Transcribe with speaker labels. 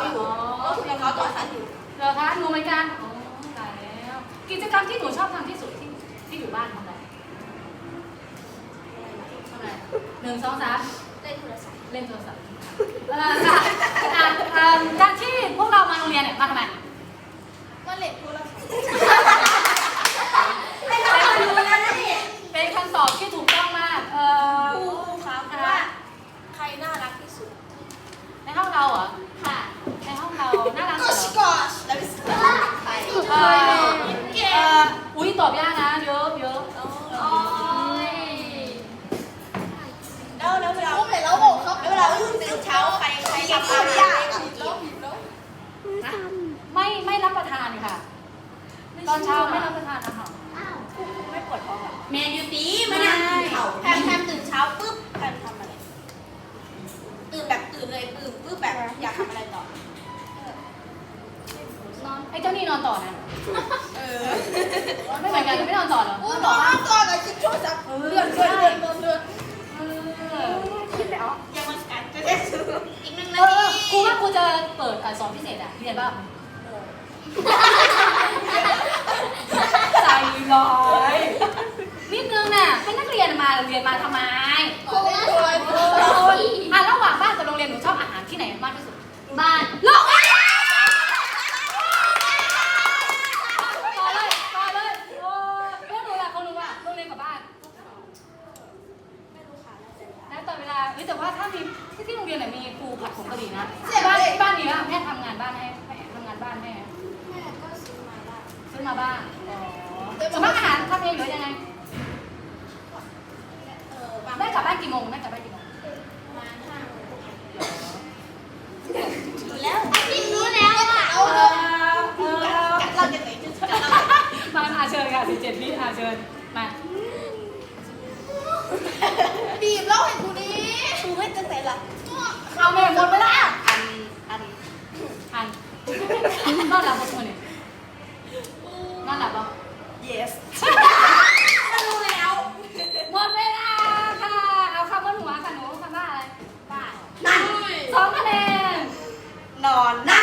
Speaker 1: อยู่ยังเขาต่อสั้นอยู่
Speaker 2: เหรอคะหนูเหมือนกันอ๋อตายแล้วกิจกรรมที่หนูชอบทำที่สุดที่อยู่บ้านทำอะไร1 2 3
Speaker 1: เล่นโทรศัพท์
Speaker 2: เล่นโทรศัพท์การที่พวกเรามาโรงเรียนเนี่ยมาทำไม
Speaker 1: มาเล่นโทรศัพท์
Speaker 2: เป็นคำตอบที่ถูกต้องมาก
Speaker 1: ครูคะว่าใครน่ารักที่สุด
Speaker 2: ในห้องเราเหรอ
Speaker 1: ค่ะ
Speaker 2: ในห้องเราน่ารักสุดเหรอ
Speaker 1: แล้วพี่สกอตใคร
Speaker 2: อุ้ยตอบยากนะเยอะ
Speaker 1: แล้วเวลาตื่นเช้าใครทำอะไรยาก
Speaker 2: ไม่รับประทานค่ะตอนเช้าไม่รับประทานอาหาร
Speaker 1: ไม่ปวดท้องหรอแมนยูตีไม่นั่งกินเขาแพมตื่นเช้าปุ๊บแพมทำอะไรตื่นเลยปุ๊บแบบอยากทำอะไรต่อน
Speaker 2: อนไอ้เจ้านี่นอนต่อนะไม่เหมือนกันไม่นอนต่อหรอน
Speaker 1: อนต่อกับชิปโชว์ซับเลื่อนคิดแล้วยังมันกันจะได้ซื้ออีก1 นาที
Speaker 2: ครูว่าครูจะเปิดสอนพิเศษอ่ะเรียนบ้างใจร้อยนิดนึงน่ะให้นักเรียนมาเรียนมาทำไมระหว่างบ้านกับโรงเรียนหนูชอบอาหารที่ไหนมากที่สุด
Speaker 1: บ้าน
Speaker 2: โรงเรียนต่อเลยโอ้เรื่องหนูล่ะเขารู้ว่าโรงเรียนกับบ้าน
Speaker 1: ไม่รู้ค่ะ
Speaker 2: แล้วต่อเวลาแต่ว่าถ้ามีที่โรงเรียนไหนมีครูผัดผงกะหรี่นะบ้านนี้แม่ทำงานบ้านให้ทำงานบ้านให้
Speaker 1: แม่ก็ซื้อมา
Speaker 2: บ้างส่วนมากอาหารทำเองหรือยังไงแม่กลับบ้านกี่โมง
Speaker 1: มา5 โมงรู้แล้วอ่ะเราจะไหนจะ
Speaker 2: มาเชิญค่ะ17 วิเชิญมา
Speaker 1: บีบเล่าให้ครูดิครูไม่จะเสร็จละ
Speaker 2: เอาแม่หมดไปละอันนอนหลับปะเนี่ยนอนหลับปะ
Speaker 1: yes รู้แล้ว
Speaker 2: หมดเวลาค่ะเอาคำว่าหนูค่ะหนูคำว่าอะไร
Speaker 1: บ้าน
Speaker 2: 2 คะแนน
Speaker 1: นอนนั่ง